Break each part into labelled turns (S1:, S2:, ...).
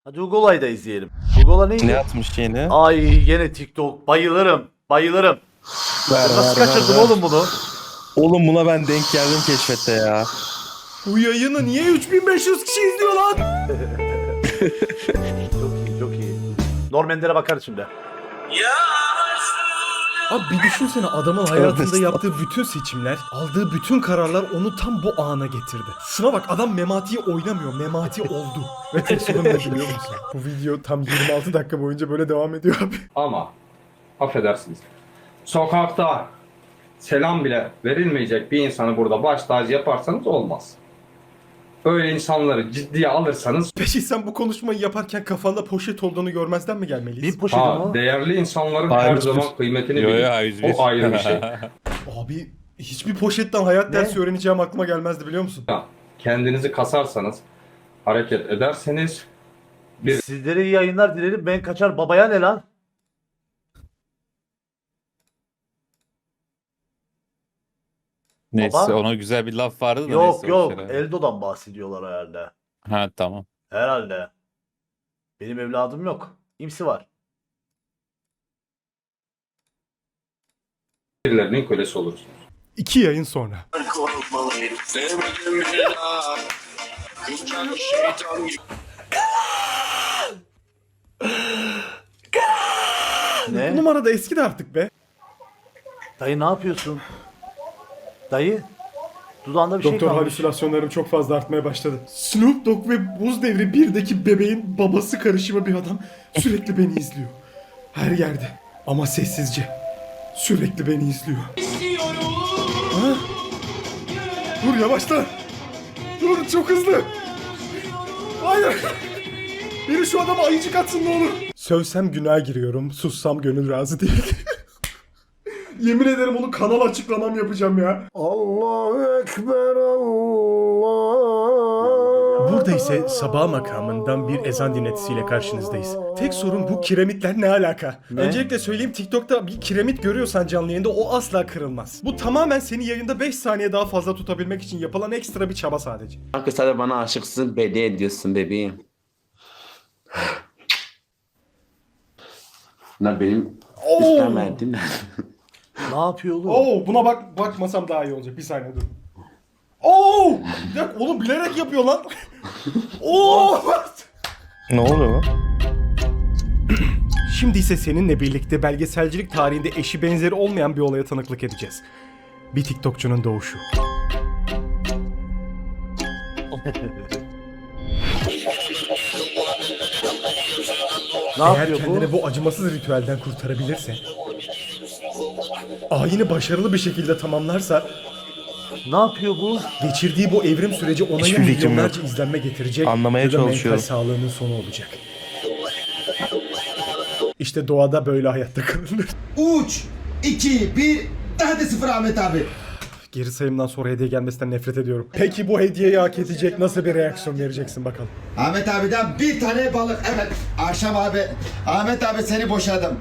S1: Hadi Ugola'yı da izleyelim. Ugola neydi?
S2: Ne atmış yine?
S1: Ay gene TikTok. Bayılırım. Bayılırım. Nasıl kaçırdın oğlum bunu?
S2: Oğlum buna ben denk geldim keşfette ya.
S3: Bu yayını niye 3500 kişi izliyor lan?
S1: Çok iyi, çok iyi. Normanlere bakar şimdi.
S3: Abi bir düşünsene adamın hayatında
S2: Tövbe
S3: yaptığı bütün seçimler, aldığı bütün kararlar onu tam bu ana getirdi. Şuna bak adam Memati'yi oynamıyor, Memati oldu. Ve tek sorun ne biliyor musun? Bu video tam 26 dakika boyunca böyle devam ediyor abi.
S4: Ama affedersiniz. Sokakta selam bile verilmeyecek bir insanı burada baş tacı yaparsanız olmaz. Öyle insanları ciddiye alırsanız
S3: Peki sen bu konuşmayı yaparken kafanda poşet olduğunu görmezden mi gelmeliyiz?
S1: Bir poşetim o.
S4: değerli insanların
S2: Hayır,
S4: her
S2: yüz
S4: zaman
S2: bir.
S4: kıymetini
S2: Yo,
S4: bilin.
S2: yo, 101.
S4: O ayrı bir şey.
S3: Abi hiçbir poşetten hayat dersi öğreneceğim aklıma gelmezdi biliyor musun?
S4: Kendinizi kasarsanız, hareket ederseniz
S1: Sizlere iyi yayınlar dilerim. Ben kaçar babaya ne lan?
S2: Neyse
S1: Baba?
S2: ona güzel bir laf vardı da
S1: Yok
S2: neyse.
S1: yok.
S2: boş ver abi.
S1: Eldo'dan bahsediyorlar herhalde.
S2: Ha tamam.
S1: Herhalde. Benim evladım yok. İmsi var.
S4: birilerinin kölesi olursunuz.
S3: 2 yayın sonra. Bu
S1: Ne?
S3: numara da eski de artık be.
S1: Dayı ne yapıyorsun? Dayı? Dudağında bir şey
S3: Doktor
S1: kalmış.
S3: halüsinasyonlarım çok fazla artmaya başladı. Snoop Dogg ve Buz Devri 1'deki bebeğin babası karışımı bir adam sürekli beni izliyor. Her yerde ama sessizce. Sürekli beni izliyor. Ha? Dur yavaşla. Dur çok hızlı. Hayır. Biri şu adama ayıcık atsın ne olur. Sövsem günaha giriyorum. Sussam gönül razı değil. Yemin ederim onu kanal açıklamam yapacağım ya. Allahu Ekber Allah. Burada ise sabah makamından bir ezan dinletisiyle karşınızdayız. Tek sorun bu kiremitler ne alaka?
S1: Ne?
S3: Öncelikle söyleyeyim TikTok'ta bir kiremit görüyorsan canlı yayında o asla kırılmaz. Bu tamamen seni yayında 5 saniye daha fazla tutabilmek için yapılan ekstra bir çaba sadece.
S5: Kanka sen de bana aşıksın belli ediyorsun bebeğim. Bunlar benim istemediğim.
S1: Ne yapıyor oğlum?
S3: Oo buna bakmasam daha iyi olacak. Bir saniye dur. Oo! Bir dakika oğlum bilerek yapıyor lan. Oo!
S2: Ne oluyor?
S3: Şimdi ise seninle birlikte belgeselcilik tarihinde eşi benzeri olmayan bir olaya tanıklık edeceğiz. Bir TikTokçunun doğuşu.
S1: Ne
S3: Eğer
S1: yapıyor
S3: kendini
S1: bu?
S3: bu acımasız ritüelden kurtarabilirse, ayini başarılı bir şekilde tamamlarsa,
S1: Ne yapıyor bu?
S3: geçirdiği bu evrim süreci ona
S2: Hiçbir
S3: yine
S2: fikrim
S3: milyonlarca
S2: yok.
S3: izlenme getirecek
S2: Anlamaya
S3: ya da mental
S2: çalışıyorum.
S3: sağlığının sonu olacak. İşte doğada böyle hayatta kalınır.
S6: 3, 2, 1, hadi 0 Ahmet abi.
S3: Geri sayımdan sonra hediye gelmesinden nefret ediyorum. Peki bu hediyeyi hak edecek nasıl bir reaksiyon vereceksin bakalım.
S6: Ahmet abiden bir tane balık. Evet, akşam abi. Ahmet abi seni boşadım.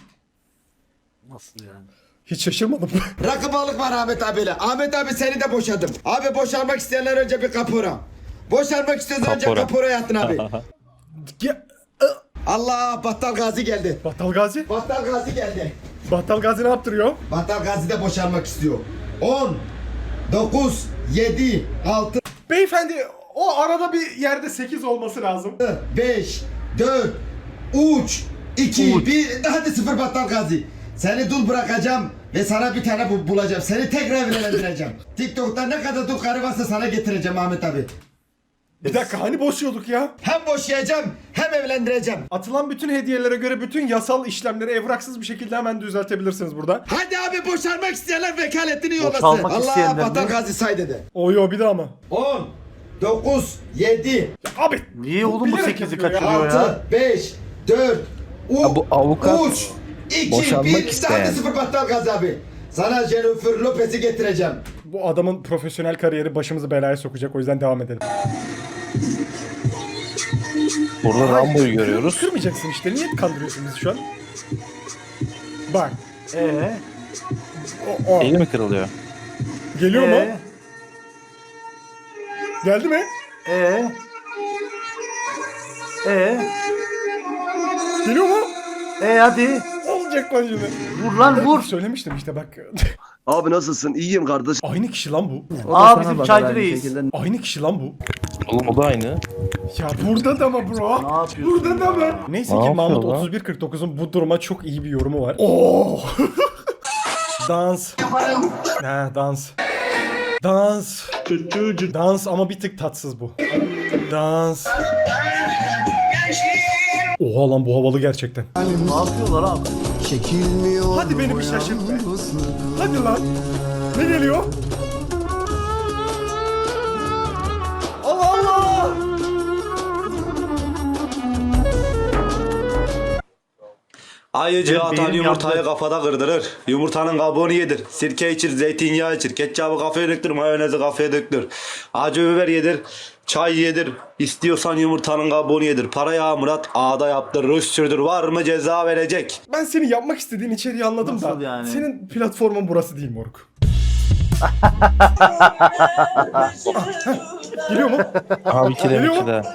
S1: Nasıl yani?
S3: Hiç şaşırmadım.
S6: Rakı balık var Ahmet abiyle. Ahmet abi seni de boşadım. Abi boşanmak isteyenler önce bir kapora. Boşanmak istiyorsan önce
S2: Kapora.
S6: kapora yatın abi.
S3: Ya,
S6: Allah Battal Gazi geldi.
S3: Battal Gazi?
S6: Battal Gazi geldi.
S3: Battal Gazi ne yaptırıyor?
S6: Battal Gazi de boşanmak istiyor. 10, 9, 7, 6,
S3: Beyefendi o arada bir yerde 8 olması lazım.
S6: 5, 4, 3, 2, 1, hadi 0 Battal Gazi. Seni dul bırakacağım ve sana bir tane bulacağım. Seni tekrar evlendireceğim. TikTok'ta ne kadar dul karı varsa sana getireceğim Ahmet abi.
S3: Bir dakika hani boşuyorduk ya?
S6: Hem boşayacağım hem evlendireceğim.
S3: Atılan bütün hediyelere göre bütün yasal işlemleri evraksız bir şekilde hemen düzeltebilirsiniz burada.
S6: Hadi abi boşanmak isteyenler vekaletini yollasın.
S1: Boşalmak
S6: Allah
S1: isteyenler
S6: Battal
S1: mi?
S6: Gazi say dedi.
S3: Oyo bir daha mı?
S6: 10, 9, 7,
S3: Abi
S1: Niye oğlum bu
S3: bilerek
S1: 8'i
S3: yapıyor ya.
S1: kaçırıyor ya?
S6: 6, 5, 4,
S2: Ya bu avukat
S6: 3, 2,
S2: boşanmak
S6: 1,
S2: isteyen.
S6: hadi 0 Battal Gazi abi. Sana Jennifer Lopez'i getireceğim.
S3: bu adamın profesyonel kariyeri başımızı belaya sokacak o yüzden devam edelim.
S2: Burada Rambo'yu görüyoruz.
S3: Kırmayacaksın işte niye kandırıyorsun bizi şu an? Bak o.
S2: Eli mi kırılıyor?
S3: Geliyor mu? Geldi mi?
S1: Ee?
S3: Geliyor mu?
S1: Hadi.
S3: Olacak lan şimdi.
S1: Vur lan vur.
S3: Söylemiştim işte bak.
S7: Abi nasılsın? İyiyim kardeş.
S3: Aynı kişi lan bu.
S1: Aa bizim çaycı reis.
S3: Aynı kişi lan bu.
S2: Oğlum o da aynı.
S3: Ya burada da mı bro?
S1: Ne yapıyorsun?
S3: Burada da mı? Neyse
S2: Ne
S3: ki
S2: yapıyor
S3: Mahmut
S2: lan?
S3: 3149'un bu duruma çok iyi bir yorumu var. Oo! Dans. Ha dans. Dans. Dans ama bir tık tatsız bu. Dans. Oha lan bu havalı gerçekten.
S1: Ne yapıyorlar abi?
S3: Hadi beni bir şaşırt be. Hadi lan. Ne geliyor? Allah Allah.
S8: Ayıcı
S1: Benim
S8: atan yumurtayı
S1: yandı.
S8: kafada kırdırır. Yumurtanın kabuğunu yedir. Sirke içir, zeytinyağı içir. Ketçabı kafaya döktür, mayonezi kafaya döktür. Acı biber yedir, çay yedir. İstiyorsan yumurtanın kabuğunu yedir. Parayı Murat ağda yaptır, ruj sürdür. Var mı ceza verecek?
S3: Ben seni yapmak istediğin içeriği anladım
S1: Nasıl
S3: da.
S1: yani?
S3: Senin platformun burası değil moruk. Geliyor mu?
S2: Abi iki de
S3: Geliyor
S2: iki
S3: mu?
S2: de.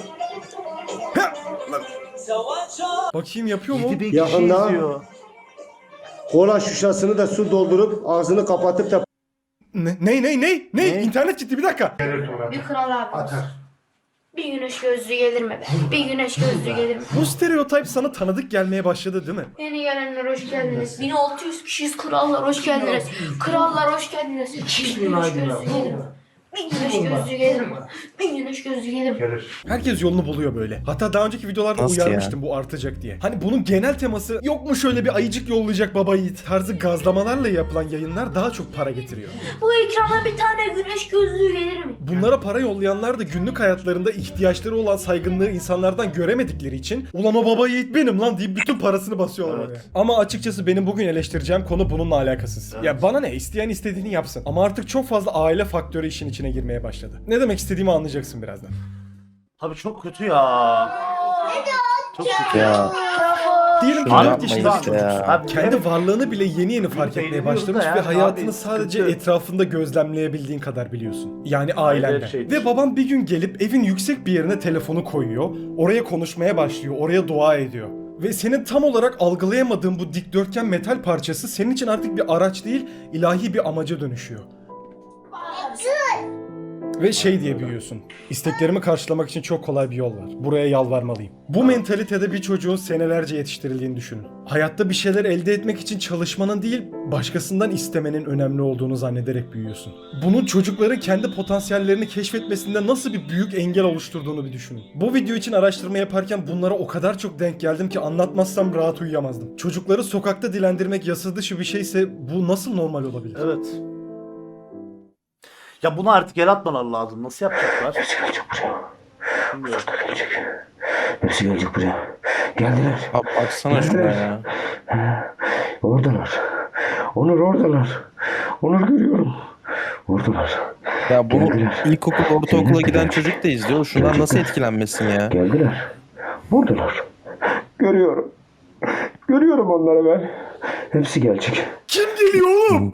S3: Bakayım yapıyor mu?
S1: 7000 kişi
S7: Yakında.
S1: izliyor.
S7: Kola şişesini de su doldurup ağzını kapatıp da
S3: Ne? İnternet gitti bir dakika.
S9: Bir kral abi. Bir güneş gözlüğü gelir mi be? Bir güneş gözlüğü gelir mi?
S3: Bu stereotip sana tanıdık gelmeye başladı değil mi?
S9: Yeni gelenler hoş geldiniz. 1600 kişiyiz, krallar hoş geldiniz. Krallar hoş geldiniz. Bir güneş gözlüğü gelir mi? Bir güneş gözlüğü gelir mi? Bir güneş gözlüğü gelir mi?
S3: Herkes yolunu buluyor böyle. Hatta daha önceki videolarda
S2: Nasıl
S3: uyarmıştım bu artacak diye. Hani bunun genel teması yok mu şöyle bir ayıcık yollayacak baba yiğit tarzı gazlamalarla yapılan yayınlar daha çok para getiriyor.
S9: Bu ekrana bir tane güneş gözlüğü gelir mi?
S3: Bunlara para yollayanlar da günlük hayatlarında ihtiyaçları olan saygınlığı insanlardan göremedikleri için ulan o baba yiğit benim lan deyip bütün parasını basıyorlar oraya. Ama açıkçası benim bugün eleştireceğim konu bununla alakasız. Ya bana ne, isteyen istediğini yapsın. Ama artık çok fazla aile faktörü işin içine girmeye başladı. Ne demek istediğimi anlayacaksın birazdan.
S1: Abi çok kötü ya. Çok kötü.
S2: Ya
S3: Diyelim ki
S2: Şunu
S3: 4
S2: yapmayın
S3: yaşında bir
S2: işte
S3: çocuk.
S2: ya.
S1: Abi
S3: Kendi varlığını bile yeni yeni fark etmeye
S1: Beğeniliyoruz
S3: başlamış
S1: da
S3: ve
S1: yani
S3: hayatını
S1: abi,
S3: sadece
S1: sıkıntı.
S3: etrafında gözlemleyebildiğin kadar biliyorsun. Yani ailenden.
S1: şeydir.
S3: Ve babam bir gün gelip evin yüksek bir yerine telefonu koyuyor, oraya konuşmaya başlıyor, oraya dua ediyor. Ve senin tam olarak algılayamadığın bu dikdörtgen metal parçası senin için artık bir araç değil, ilahi bir amaca dönüşüyor. Ve şey diye büyüyorsun. İsteklerimi karşılamak için çok kolay bir yol var. Buraya yalvarmalıyım. Bu mentalitede bir çocuğun senelerce yetiştirildiğini düşünün. Hayatta bir şeyler elde etmek için çalışmanın değil, başkasından istemenin önemli olduğunu zannederek büyüyorsun. Bunun çocukların kendi potansiyellerini keşfetmesinde nasıl bir büyük engel oluşturduğunu bir düşünün. Bu video için araştırma yaparken bunlara o kadar çok denk geldim ki anlatmazsam rahat uyuyamazdım. Çocukları sokakta dilendirmek yasa dışı bir şeyse bu nasıl normal olabilir?
S1: Evet. Ya bunu artık el atmalar lazım. Nasıl yapacaklar? Bilmiyorum.
S5: Hepsi gelecek buraya. Geldiler.
S2: abi açsana şuna ya.
S7: oradalar. Onur oradalar. Onur görüyorum. Oradalar.
S2: Ya bunu
S7: Geldiler.
S2: ilkokul ortaokula giden çocuk da izliyor. Şundan nasıl etkilenmesin ya?
S7: Geldiler. Buradalar. Görüyorum. Görüyorum onları ben. Hepsi gelecek.
S3: Kim geliyor oğlum?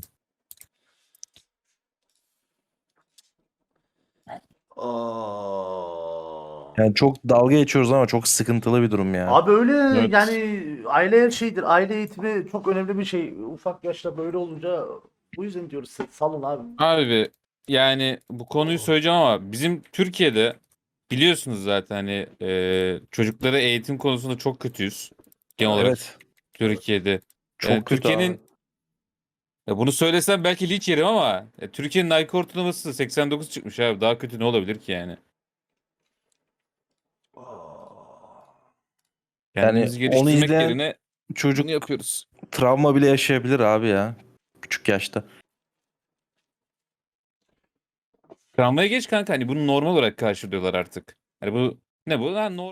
S1: Aa.
S2: Yani çok dalga geçiyoruz ama çok sıkıntılı bir durum ya.
S1: Abi öyle
S2: Evet.
S1: yani aile şeydir. Aile eğitimi çok önemli bir şey. Ufak yaşta böyle olunca bu yüzden diyoruz salın abi.
S10: Abi yani bu konuyu söyleyeceğim ama bizim Türkiye'de biliyorsunuz zaten hani çocuklara eğitim konusunda çok kötüyüz. Genel olarak
S2: Evet.
S10: Türkiye'de.
S2: Çok
S10: Yani
S2: kötü
S10: Türkiye'nin
S2: abi.
S10: ya bunu söylesem belki linç yerim ama Türkiye'nin IQ ortalaması 89 çıkmış abi. Daha kötü ne olabilir ki yani? Kendimizi
S2: onu
S10: geliştirmek
S2: izleyen
S10: yerine
S2: Çocuk
S10: bunu yapıyoruz.
S2: travma bile yaşayabilir abi ya. Küçük yaşta.
S10: Travmaya geç kanka hani bunu normal olarak karşılıyorlar artık. Hani bu ne bu? Ha,